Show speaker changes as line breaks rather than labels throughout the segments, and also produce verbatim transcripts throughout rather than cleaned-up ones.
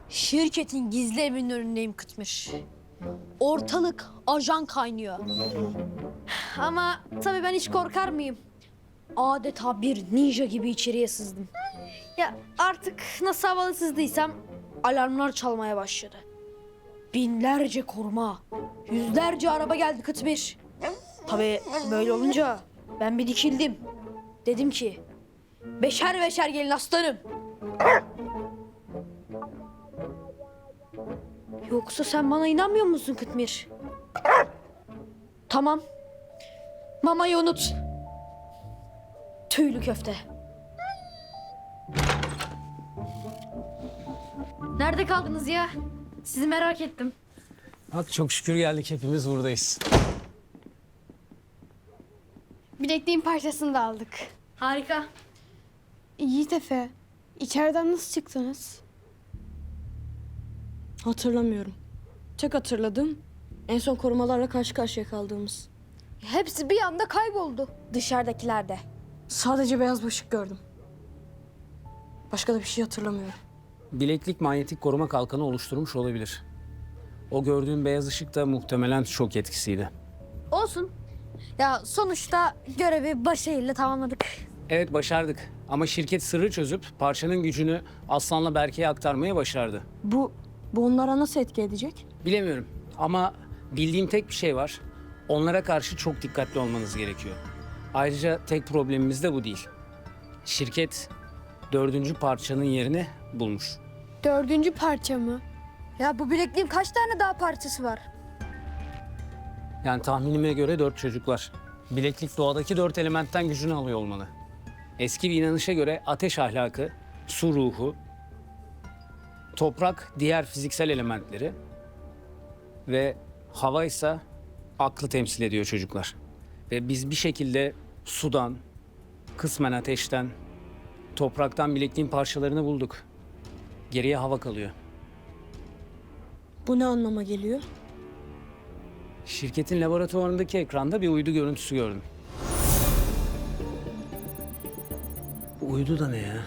Şirketin gizli evinin önündeyim Kıtmir. Ortalık ajan kaynıyor. Ama tabii ben hiç korkar mıyım? Adeta bir ninja gibi içeriye sızdım. Ya artık nasıl havalı sızdıysam alarmlar çalmaya başladı. Binlerce koruma, yüzlerce araba geldi Kıtmir. Tabii böyle olunca ben bir dikildim. Dedim ki beşer beşer gelin aslanım. Yoksa sen bana inanmıyor musun Kıtmir? Tamam. Mamayı unut. Tüylü köfte. Nerede kaldınız ya? Sizi merak ettim.
Bak çok şükür geldik, hepimiz buradayız.
Bilekliğin parçasını da aldık.
Harika.
Yiğit Efe, içeriden nasıl çıktınız?
Hatırlamıyorum. Tek hatırladığım en son korumalarla karşı karşıya kaldığımız.
Hepsi bir anda kayboldu. Dışarıdakiler de.
Sadece beyaz bir ışık gördüm. Başka da bir şey hatırlamıyorum.
Bileklik manyetik koruma kalkanı oluşturmuş olabilir. O gördüğün beyaz ışık da muhtemelen şok etkisiydi.
Olsun. Ya sonuçta görevi başarıyla tamamladık.
Evet, başardık. Ama şirket sırrı çözüp parçanın gücünü Aslan'la Berke'ye aktarmayı başardı.
Bu, bu onlara nasıl etki edecek?
Bilemiyorum ama bildiğim tek bir şey var. Onlara karşı çok dikkatli olmanız gerekiyor. Ayrıca tek problemimiz de bu değil. Şirket dördüncü parçanın yerini bulmuş.
Dördüncü parça mı?
Ya bu bilekliğin kaç tane daha parçası var?
Yani tahminime göre dört çocuklar. Bileklik doğadaki dört elementten gücünü alıyor olmalı. Eski bir inanışa göre ateş ahlakı, su ruhu, toprak diğer fiziksel elementleri ve hava ise aklı temsil ediyor çocuklar. Ve biz bir şekilde sudan, kısmen ateşten, topraktan bilekliğin parçalarını bulduk. Geriye hava kalıyor.
Bu ne anlama geliyor?
Şirketin laboratuvarındaki ekranda bir uydu görüntüsü gördüm. Bu uydu da ne ya?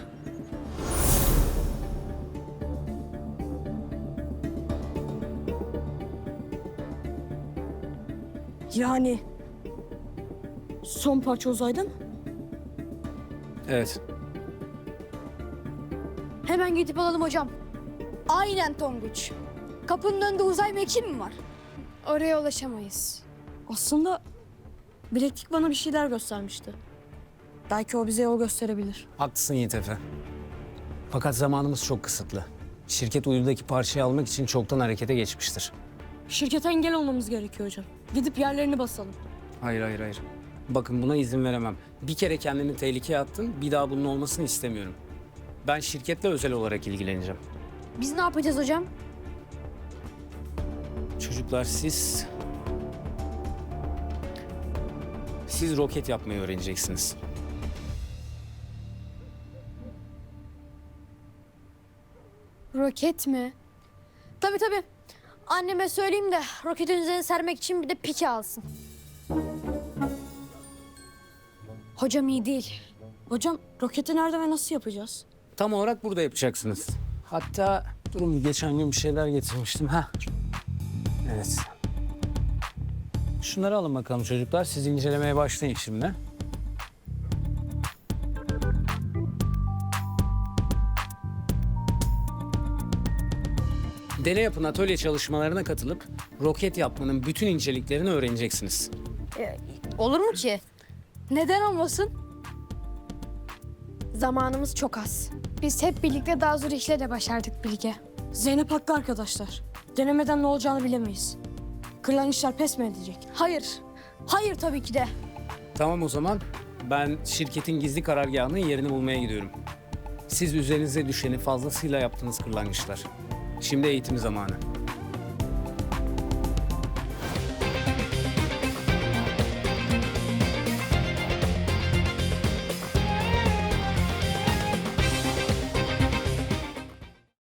Yani son parça uzayda mı?
Evet.
Hemen gidip alalım hocam. Aynen Tonguç. Kapının önünde uzay mekiği mi var?
Oraya ulaşamayız.
Aslında bileklik bana bir şeyler göstermişti. Belki o bize yol gösterebilir.
Haklısın Yiğit Efe. Fakat zamanımız çok kısıtlı. Şirket uydudaki parçayı almak için çoktan harekete geçmiştir.
Şirkete engel olmamız gerekiyor hocam. Gidip yerlerini basalım.
Hayır, hayır, hayır. Bakın buna izin veremem. Bir kere kendini tehlikeye attın, bir daha bunun olmasını istemiyorum. Ben şirketle özel olarak ilgileneceğim.
Biz ne yapacağız hocam?
Çocuklar siz... Siz roket yapmayı öğreneceksiniz.
Roket mi?
Tabii tabii. Anneme söyleyeyim de roketin üzerine sermek için bir de pike alsın. Hocam iyi değil.
Hocam roketi nerede ve nasıl yapacağız?
Tam olarak burada yapacaksınız. Hatta durun, geçen gün bir şeyler getirmiştim. Ha. Evet. Şunları alın bakalım çocuklar. Siz incelemeye başlayın şimdi. Deney yapın atölye çalışmalarına katılıp roket yapmanın bütün inceliklerini öğreneceksiniz.
Olur mu ki? Neden olmasın?
Zamanımız çok az. Biz hep birlikte daha zor işleri de başardık Bilge.
Zeynep haklı arkadaşlar. Denemeden ne olacağını bilemeyiz. Kırlangıçlar pes mi edecek?
Hayır. Hayır tabii ki de.
Tamam o zaman. Ben şirketin gizli karargahının yerini bulmaya gidiyorum. Siz üzerinize düşeni fazlasıyla yaptınız kırlangıçlar. Şimdi eğitim zamanı.